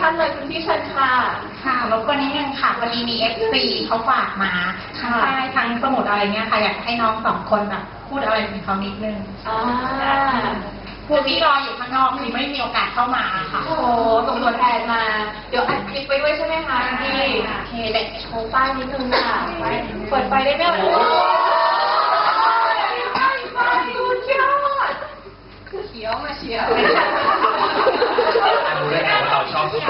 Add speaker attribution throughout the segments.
Speaker 1: ท่านเลยคุณพี่เชิญค่ะ
Speaker 2: ค่ะรบกวนนิดนึงค่ะวันนี้มี FC เขาฝากมาทั้งป้ายทั้งสมุดอะไรเงี้ยค่ะอยากให้น้องสองคนแบบพูดอะไรถึงเขานิดนึงคือพี่รออยู่ข้างนอกคือไม่มีโอกาสเข้ามาค่ะ
Speaker 1: โอ้โหส่งตัวแทนมาเดี๋ยวอัดคลิปไปด้วยใช่ไหมคะพี่โอเคเด็กโชว์ป้ายนิดนึงค่ะเปิดไฟได้ไหมโอ้ไฟสุดยอดเขียวมาเชียว
Speaker 3: รู้ได้ไงว่าเราชอบ
Speaker 1: ข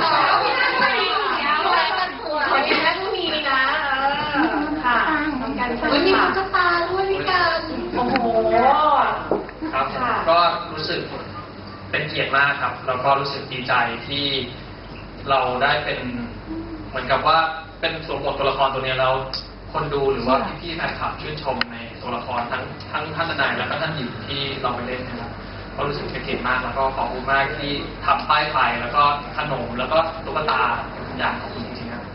Speaker 1: อดีนะผู้มีนะค่ะทำการสั่งมีตุ๊กตาด้วยพี่กันโอ้โห
Speaker 3: ครับก็รู้สึกเป็นเกียรติมากครับแล้วก็รู้สึกดีใจที่เราได้เป็นเหมือนกับว่าเป็นส่วนบทตัวละครตัวนี้แล้วคนดูหรือว่าพี่ๆแฟนคลับชื่นชมในตัวละครทั้งท่านทนายแล้วก็ท่านหญิงที่เราไปเล่นนะครับก็รู้สึกเป็นเกียรติมากแล้วก็ขอบคุณมากที่ทำป้ายไฟแล้วก็ขนมแล้วก็ตุ๊กตาอย่างของคุณจริงๆครับ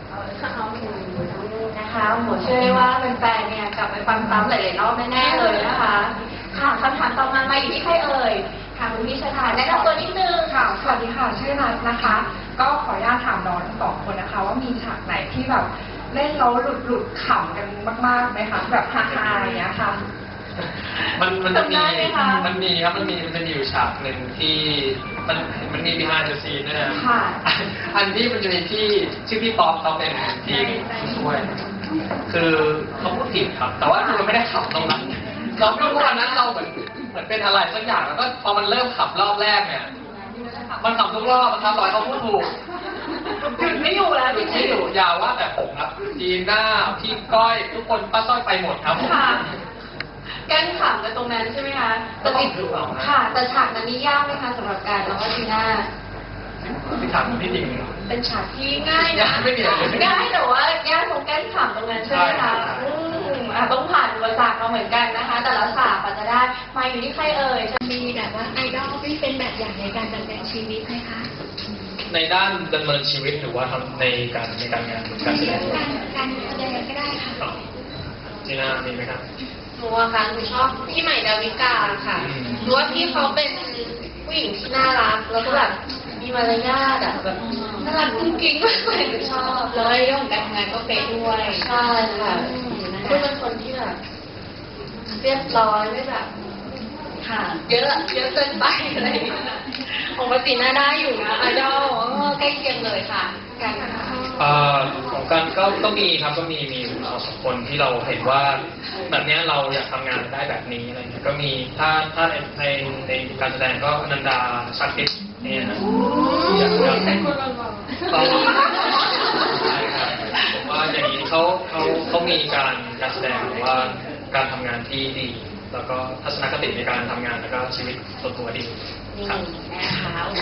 Speaker 1: นะคะหมูเชื่อได้ว่าแฟนๆเนี่ยกลับไปฟังซ้ำหลายๆรอบแน่ๆเลยนะคะค่ะคำถามต่อมาอยู่ที่ใครเอ่ยถามคุณพี่ชาแนะนำตัวนิดนึง
Speaker 2: ค่ะสวัสดีค่ะชื่อนัทนะคะก็ขออนุญาตถามน้องทั้งสองคนนะคะว่ามีฉากไหนที่แบบเล่นแล้วหลุดขำกันมากๆไหมคะแบบฮาๆอย่างเงี้ยค่ะ
Speaker 3: มันจะมีครับมันมีอยู่ฉากหนึ่งที่มันมี behind the scene ด้วยนะอันที่มันจะมีที่ชื่อพี่ป๊อปเขาเป็นทีมช่วยคือเขาพูดผิดครับแต่ว่าเราไม่ได้ขับตรงนั้นเราไม่รู้วันนั้นเราเหมือนเป็นอะไรสักอย่างแล้วก็พอมันเริ่มขับรอบแรกเนี่ยมันขับทุกรอบนะครับต่อยเขาพูดถูก
Speaker 1: หยุดไม่อยู่แล้ว
Speaker 3: หยุดไม่อยู่ยาวว่าแต่ผมครับจีน่าพี่ก้อยทุกคนป้าส้อยไปหมดครับ
Speaker 1: กั้นขำกันตรงนั้นใช่ไหมคะแต่ติดค่ะแต่ฉากนั้นนี่ยากไหมคะสำหรับการน้องจีน่า
Speaker 3: เป็นฉากที่จริง
Speaker 1: เป็นฉากที่ง่ายนะง่ายแต่ว่ายากตรงกั้นขำตรงนั้นใช่ไหมคะต้องผ่านอุปสรรคมาเหมือนกันนะคะแต่ละฉากกว่าจะได้มาอยู่ที่ใครเอ่ย
Speaker 4: จะมีแบบว่าไอดอลที่เป็นแบบอย่างในการดำเนินชีวิตไหมคะ
Speaker 3: ในด้านดำเนินชีวิตหรือว่าทำในการงานการแสดง
Speaker 4: การแสดงก็ได้ค่ะ
Speaker 3: จีน่ามีไหมครับ
Speaker 1: หนูอะค่ะหนูชอบพี่ใหม่ดาวิกาค่ะหนูว่าพี่เขาเป็นผู้หญิงที่น่ารักแล้วก็แบบมีมารยาทอะแบบน่ารักจริงๆมากเลยหนูชอบ
Speaker 4: แล้วเรื่องของการทำงานก็เป๊ะด้วย
Speaker 1: ใช่ค่ะคือเป็นคนที่แบบเรียบร้อยไม่แบบค่ะเยอะเกินไปอะไรปกติน่าได้อยู่นะไอดอลใกล้เคียงเลยค่ะกัน
Speaker 3: ของกันก็มีครับก็มีเราสองคนที่เราเห็นว่าแบบนี้เราอยากทำงานได้แบบนี้อะไรเงี้ยก็มีถ้าในการแสดงก็อนันดาชักติสเนี่ยนะ
Speaker 1: แต่คนเรา
Speaker 3: ใช่ครับผมว่าอย่างนี้เขามีการแสดงหรือว่าการทำงานที่ดีแล้วก็ทัศนคติในการทำงานแล้วก็ชีวิตส่วนตัวดีครับ
Speaker 1: นะคะ